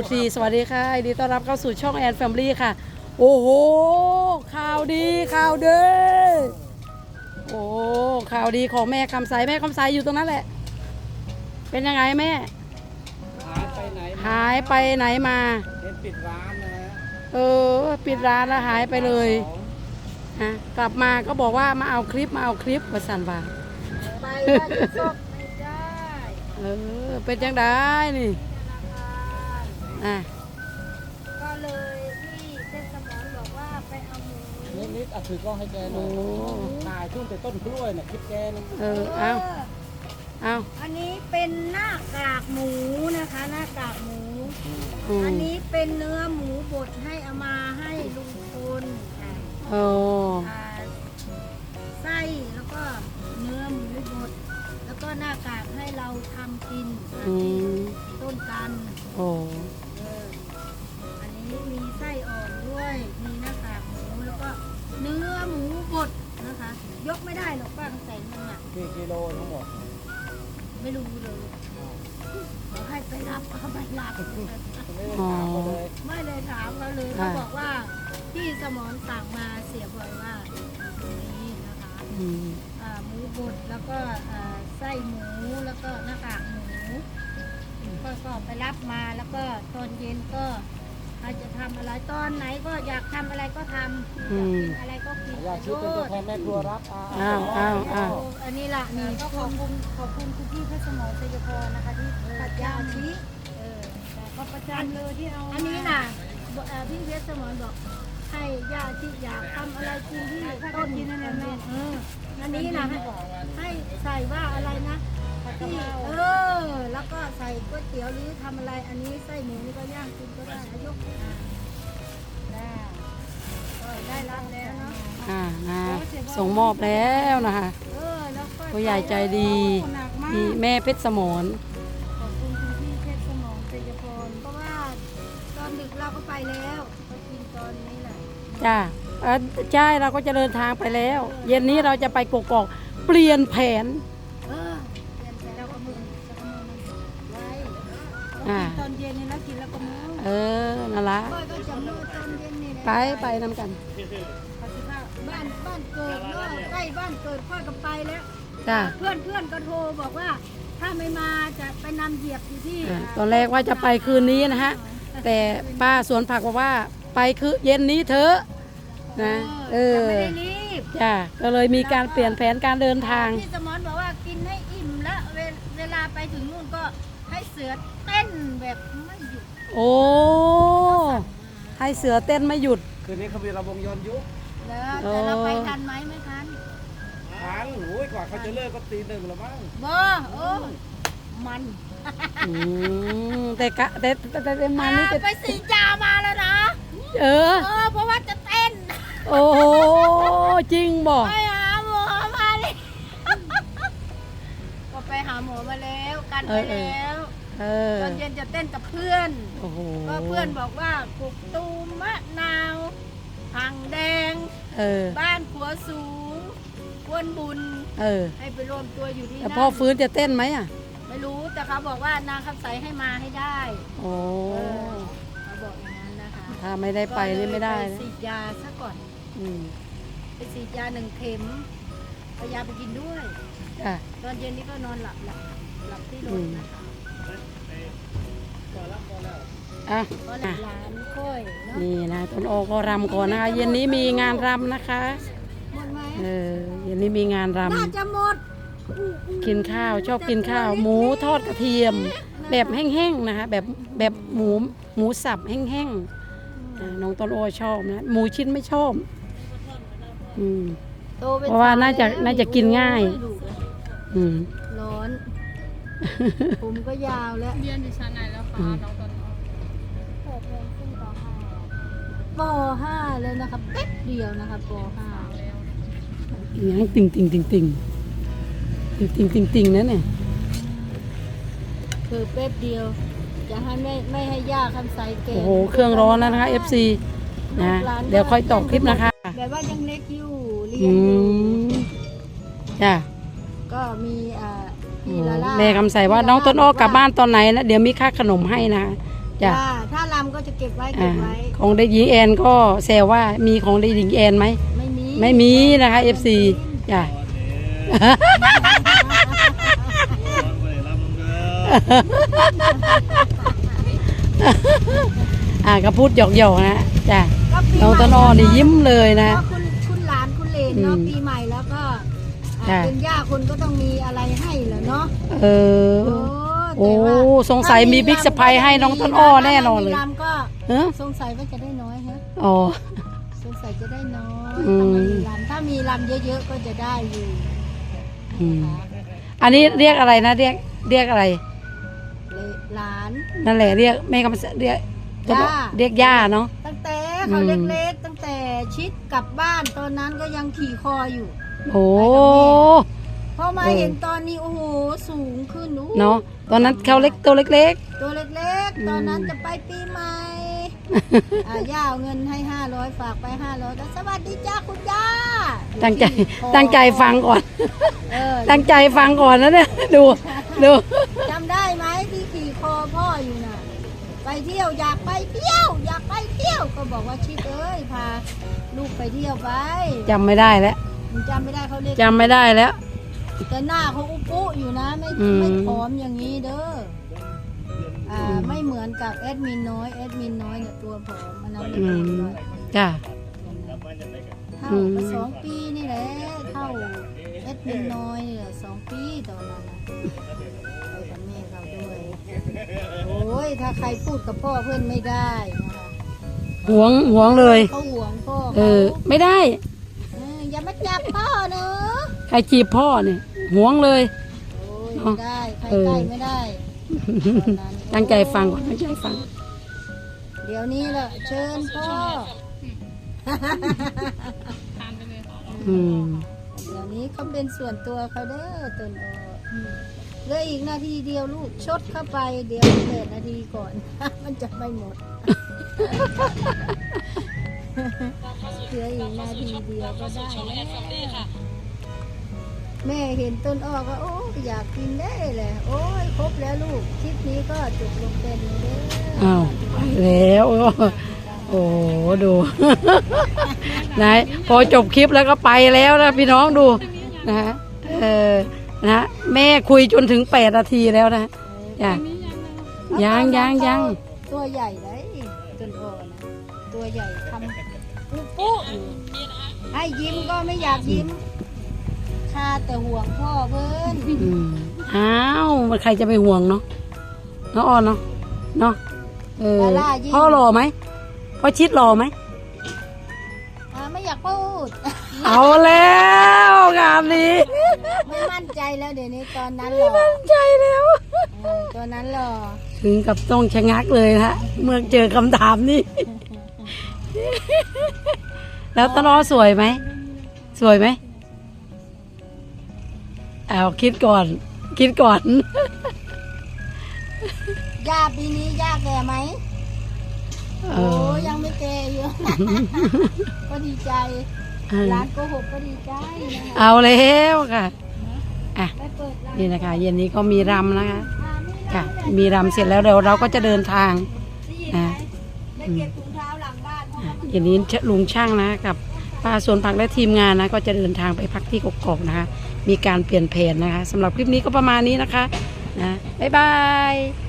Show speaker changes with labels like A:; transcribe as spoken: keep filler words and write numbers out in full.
A: ซี สวัสดีค่ะยินดีต้อนรับเข้าสู่ช่องแอนแฟมิลี่ค่ะโอ้โหข่าวดีข่าวเด้อโอ้ข่าวดีของแม่คำใสแม่คำใสอยู่ตรงนั้นแหละเป็นยังไงแม่
B: หายไปไหน
A: หายไปไหนมา
B: เห็นปิดร้านนะฮะ
A: เออปิดร้านแล้วหายไปเลยฮะกลับมาก็บอกว่ามาเอาคลิปมาเอาคลิปมาสั่นว่า
C: ไปว่าจะซบไม่ได้
A: เออเป็นยังไงนี่อ่ะ
C: ก็เลยที่เทศบาลบอกว่าไปเอาหมู
B: นิดนิดอ่ะถือกล้องให้แกหน่อยถ่ายช่วงแต่ต้นกล้วยน่ะคลิปแกนึง
A: เออเอาเอา
C: อันนี้เป็นหน้ากากหมูนะคะหน้ากากหมูอันนี้เป็นเนื้อหมูบดให้เอามาให้ลุงพลค่ะ
A: โอ้
C: ไส้แล้วก็เนื้อหมูบดแล้วก็หน้ากากให้เราทำกินต้นกัน
A: โอ้
C: อันนี้มีไส้อ่อนด้วยมีหน้ากากหมูแล้วก็เนื้อหมูบดนะคะยกไม่ได้หรอกป้าใส่มันอ่ะ
B: กี่กิโลทั้งหมด
C: ไม่รู้เลยเขาให้ไปรับเขาไปรับไม่เลยถามเขาเลยเขาบอกว่าพี่สมรสั่งมาเสียบ่อยว่านี้นะคะหมูบดแล้วก็ไส้หมูแล้วก็หน้ากากหมูก็ก็ไปรับมาแล้วก็ตอนเย็นก็อาจจะทำอะไรตอนไหนก็อยากทำอะไรก็ทำอยากกินอะไรก็กิน
B: อยากชื่อเป็นตัวแทนแม่ครัวรับ
A: อ้าวอ้าวอ้าว
C: อันนี้ล่ะนี่ก็ขอบคุณขอบคุณคุณพี่เพชรสมรชัยพรนะคะที่ปัดยาชีเออก็ประจำเลยที่เอาอันนี้น่ะพี่เพชรสมรบอกให้ยาชีอยากทำอะไรกินที่ต้นกินนั่นแหละเอออันนี้นะให้ใส่ว่าอะไรนะที่เออแล้วก็ใส่ก๋วยเตี๋ยวหรือทำอะไรอันนี้ไส้หมูนี่ก็ย่างกินก็ได้ยกได้ก็ได้รับแล้วเนาะ
A: อ่านะส่งมอบแล้วนะคะผู้ใหญ่ใจดีมีแม่เพชรสมร
C: ขอบคุณคุณพี่เพชรสมรชัยพรเพราะว่าตอนดึกเราก็ไปแล้วไปกินตอนนี้แหละ
A: จ้าใช่เราก็จะเดินทางไปแล้วเย็นนี้เราจะไปกกอกเปลี่ยนแผน
C: ตอนเย็นนี่นะกินแล้วก็มื้อ
A: เออนั่นละไปไปนำกัน
C: บ้านบ้านเกิดเนาะใกล้บ้านเกิดค่อยก็ไปแล้ว
A: จ้า
C: เพื่อนเพื่อนก็โทรบอกว่าถ้าไม่มาจะไปนำเหยียบอยู่ที่
A: ตอนแรกว่าจะไปคืนนี้นะฮะแต่ป้าสวนผักบอกว่าไปคือเย็นนี้เถอะนะเออ
C: ไม่ได้รีบ
A: จ้าก็เลยมีการเปลี่ยนแผนการเดินทาง
C: พี่สมรบอกว่ากินให้อิ่มแล้วเวลาไปถึงนู่นก็ให้เสือเต้นแบบไม่หยุด
A: โอ้ให้เสือเต้นไม่หยุด
B: คืนนี้เขามีระวงย้อนยุค
C: แล้วแต่เราไปทันไหมไม่ทัน
B: ทันโอ้ยกว่าเขาจะเลิกก็ตีหนึ่งแล้วมั้ง
C: บ่โอ้มัน
A: แต่กะแต่แต่แต่มันนี่
C: ไปสีจามาแล้วนะ
A: เออ
C: เออเพราะว่าจะเต้น
A: โอ้จริงบ่
C: ไปหาหมอมาเลยก็ไปหาหมอมาแล้วกันไปแล้วตอนเย็นจะเต้นกับเพื่อนก็เพื่อนบอกว่ากุกตูมมะนาวหังแดงบ้านขัวสูงควนบุญให้ไปรวมตัวอยู่ที่นั่น
A: พ่อฟื้นจะเต้นไหมอ่ะ
C: ไม่รู้แต่เขาบอกว่านางคำใสให้มาให้ได้
A: โอ้
C: เขาบอกอย่างนั้นนะคะ
A: ถ้าไม่ได้ไปนี่ไม่ได้
C: ไปฉีดยาซะก่อนไปฉีดยาหนึ่งเข็มเอายาไปกินด้วยตอนเย็นนี้ก็นอนหลับหลับหลับที่รถนะคะ
A: อ่ะนี่นะต้นโอก็รำก่อนนะคะเย็นนี้มีงานรำนะคะเออเย็นนี้มีงานรำ
C: น่าจะหมด
A: กินข้าวชอบกินข้าวหมูทอดกระเทียมแบบแห้งๆนะคะแบบแบบหมูหมูสับแห้งๆน้องต้นโอชอบนะหมูชิ้นไม่ชอบอืมเพราะว่าน่าจะน่าจะกินง่ายอืม
C: ร้อนผมก็ยาวแล้ว
D: เรียนอยู่ชั้นไหนแล้วคะน้องต้นโอ
C: เปิดเรียนขึ้นป.ห้าแล้วนะครับแป๊บเดียวนะครับป.ห้า
A: อย่างติ่งติ่งติ่งติ่งติ่งติ่งติ่งติ่งนั่นเนี่ย
C: คือแป๊บเดียวจะให้ไม่ไม่ให้ยากคำใสเก่ง
A: โอ้โหเครื่องร้อนแล้วนะคะ เอฟ ซี นะเดี๋ยวค่อยตอกคลิปนะคะ
C: แบบว่ายังเล็กอยู่เรียนอยู่
A: จ้ะ
C: ก็มีอ่า
A: แม่คำใสว่าน้องต้นอ้อกลับบ้านตอนไหนนะเดี๋ยวมีค่าขนมให้นะจ้ะ
C: ถ้าก็จะเก็บไว้เก็
A: อ่า
C: บไว้
A: ของเด็กหญิงแอนก็แซวว่ามีของเด็กหญิงแอนไหม
C: ไม่มี
A: ไม่มีนะคะ เอฟ ซี จ้ะ อ่าก็พูดหยอกๆนะจ้ะ
C: ก็ปี
A: น้องต้นอ้อนี่ยิ้มเลยนะ
C: ก็คุณคุณหลานคุณเหลนเนาะ
A: อืม
C: ปีใหม่แล้วก็อ่า
A: จ้ะ
C: เป็นย่าคุณก็ต้องมีอะไรให้เหรอเนาะ
A: เออ
C: โอ้
A: โอ้
C: แต่ว่า
A: สงสัยมีบิ๊กสะพายให้น้องต้นอ้อแน่นอนเลย
C: ถ้าไม่มีรำก็
A: เออ
C: สงสัยว่าจะได้น้อยฮะ
A: อ๋อ
C: สงสัยจะได้น้อย
A: อืม
C: ถ้าไม่มีรำถ้ามีรำเยอะๆก็จะได้อยู่
A: อืมอันนี้เรียกอะไรนะเรียกเรียกอะไร
C: เลยหลาน
A: นั่นแหละเรียกแม่กำลังเรียก
C: ย่า
A: เรียกย่าเนาะ
C: ตั้งแต่เขา
A: อืม
C: เล็กๆ ตั้งแต่ชิดกลับบ้านตอนนั้นก็ยังขี่คออยู่
A: โอ้
C: พอมา
A: เออ
C: เห็นตอนนี้โอ้โหสูงขึ้นอู้
A: เนาะตอนนั้นเขาเล็กตัวเล็ก
C: ตัวเล็ก
A: อืม
C: ๆ ตอนนั้นจะไปปีใหม่
A: ๆ
C: อ่าย่าเอาเงินให้ห้าร้อยฝากไปห้าร้อยแล้วสวัสดีจ้าคุณย่า
A: ตั้งใจ
C: ขี่คอ
A: ตั้งใจฟังก่อน
C: เออ
A: ตั้งใจฟังก่อนนะเนี่ยดูดู
C: จำได้ไหมที่ขี่คอพ่ออยู่น่ะ ไปเที่ยวอยากไปเที่ยว อยากไปเที่ยวก็บอกว่าชิดเอ้ยพาลูกไปเที่ยวไป
A: จำไม่ได้แล้ว
C: มันจำไม่ได้เขาเรียก
A: จำไม่ได้แล้ว
C: แต่หน้าเขาอุปุอยู่นะไม่
A: อืม
C: ไม่ผอมอย่างนี้เด้ออ่า
A: อืม
C: ไม่เหมือนกับแอดมินน้อยแอดมินน้อยเนี่ยตัวผอมอันนั้น
A: อื
C: เป็น
A: ม
C: ด้วย
A: จ้ะ
C: เท่า
A: อืม
C: ก็สองปีนี่แหละเท่าแอดมินน้อยนี่แหละสองปีตอนนั้นนะไปกับแม่เขาด้วย โอ้ยถ้าใครพูดกับพ่อเพื่อนไม่ได้นะคะ
A: หวงหวงเลย
C: เขาห่วงพ่อ
A: เอ
C: เขา
A: อ ไม่ได้
C: เอออย่ามาจับพ่อเนอะ
A: ใครจีบพ่อเนี่ยหวงเลย
C: โอ้ยไม่ได้ใคร
A: เออ
C: ใกล้ไม่ได้ตอนนั้น
A: ตั้งใจฟังก่อนตั้งใจฟัง
C: เดี๋ยวนี้ละเชิญพ่อ
D: ทานไปเลย
A: อืม
C: เดี๋ยวนี้เขาเป็นส่วนตัวเขาเด้อตนโอเหลืออีกนาทีเดียวลูกชดเข้าไปเดี๋ยวแปดนาทีก่อน มันจะไม่หมด เหลืออีกนาทีเดียวก็ได้แล้วแม่เห็นต้นอ้อก็โอ้อยากกินได้เลยโอ้ยครบแล้วลูกคลิปนี้ก็จบลงเป็นเด้อ
A: อ้าวไปแล้วโอ้โหดู ไหนพอจบคลิปแล้วก็ไปแล้วนะพี่น้องดูนะฮะเออนะแม่คุยจนถึงแปดนาทีแล้วนะจ้ะยังยังยัง
C: ตัวใหญ่เลยต้นอ้อนะตัวใหญ่ทำปุ๊ปุ๊อยู่ให้ยิ้มก็ไม่อยากยิ้มข้าแต่ห่วงพ่อเพิ่น
A: อืมอ้าวมันใครจะไปห่วงเนาะเนาะอ่อนเนาะเนาะเออพ่อหล่อไหมพ่อชิดหล่อไหม
C: อ่าไม่อยากพูด
A: เอาแล้วงานนี้
C: ไม่มั่นใจแล้วเดี๋ยวนี้ตอนนั้นหรอ
A: ใจแล้ว
C: เออตอนนั้นหรอ
A: ถึงกับต้องชะงักเลยนะเมื่อเจอคำถามนี้ แล้วตลอสวยไหมสวยไหมเอาคิดก่อน คิดก่อน
C: ย่าปีนี้ย่าแก่ไหม
A: เอ
C: โอ้
A: อ
C: ยังไม่แก่อยู่ ก็ดีใจ
A: เออ
C: ร้านโกหกก็ดีใจนะคะ
A: เอาแล้วค่ะอ่ะ
C: ไปเปิดร้าน
A: นี่นะคะ เย็นนี้ก็มีรำนะคะ
C: อ่าไม่ได้
A: ค่ะ มีรำเสร็จแล้วเดี๋ยวเราก็จะเดินทาง
C: ได้ยินไหม
A: อ่ะ
C: ได้เก็บถุงเท้าหลังบ้านเพราะว่ามัน
A: อย่างนี้ลุงช่างนะกับป้าสวนผักและทีมงานนะ ก็จะเดินทางไปพักที่กกอกนะคะ มีการเปลี่ยนแผนนะคะสำหรับคลิปนี้ก็ประมาณนี้นะคะนะบ๊ายบาย